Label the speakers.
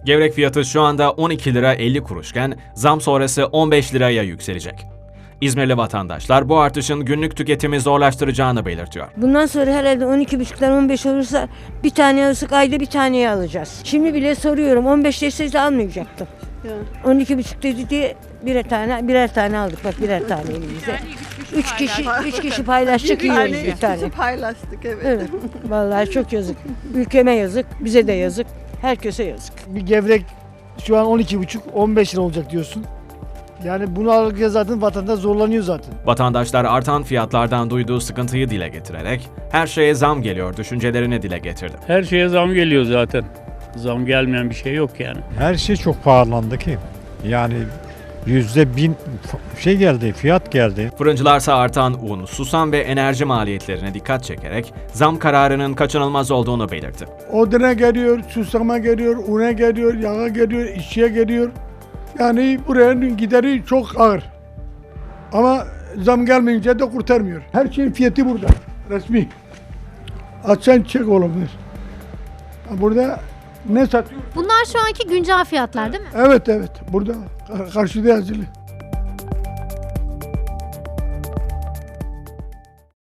Speaker 1: Gevrek fiyatı şu anda 12 lira 50 kuruşken zam sonrası 15 liraya yükselecek. İzmirli vatandaşlar bu artışın günlük tüketimi zorlaştıracağını belirtiyor.
Speaker 2: Bundan sonra herhalde 12,5'tan 15 olursa bir tane alırsak ayda bir taneyi alacağız. Şimdi bile soruyorum 15 deseydi almayacaktım. 12,5 dedi diye birer tane aldık. Bak birer tane elimize. Üç kişi paylaştık yiyoruz bir tane.
Speaker 3: Paylaştık evet.
Speaker 2: Evet. Vallahi çok yazık. Ülkeme yazık, bize de yazık. Herkese yazık.
Speaker 4: Bir gevrek şu an 12,5-15 lira olacak diyorsun. Yani bunu alırken zaten vatandaş zorlanıyor zaten.
Speaker 1: Vatandaşlar artan fiyatlardan duyduğu sıkıntıyı dile getirerek her şeye zam geliyor düşüncelerini dile getirdi.
Speaker 5: Her şeye zam geliyor zaten. Zam gelmeyen bir şey yok yani.
Speaker 6: Her şey çok pahalandı ki. Yani %1000 geldi, fiyat geldi.
Speaker 1: Fırıncılarsa artan un, susam ve enerji maliyetlerine dikkat çekerek zam kararının kaçınılmaz olduğunu belirtti.
Speaker 7: Oduna geliyor, susama geliyor, una geliyor, yağa geliyor, işçiye geliyor. Yani buranın gideri çok ağır. Ama zam gelmeyince de kurtarmıyor. Her şeyin fiyatı burada. Resmi. Açsan çek oğlum. Burada ne satıyor?
Speaker 8: Bunlar şu anki güncel fiyatlar değil mi?
Speaker 7: Evet. Burada karşıda yazılı.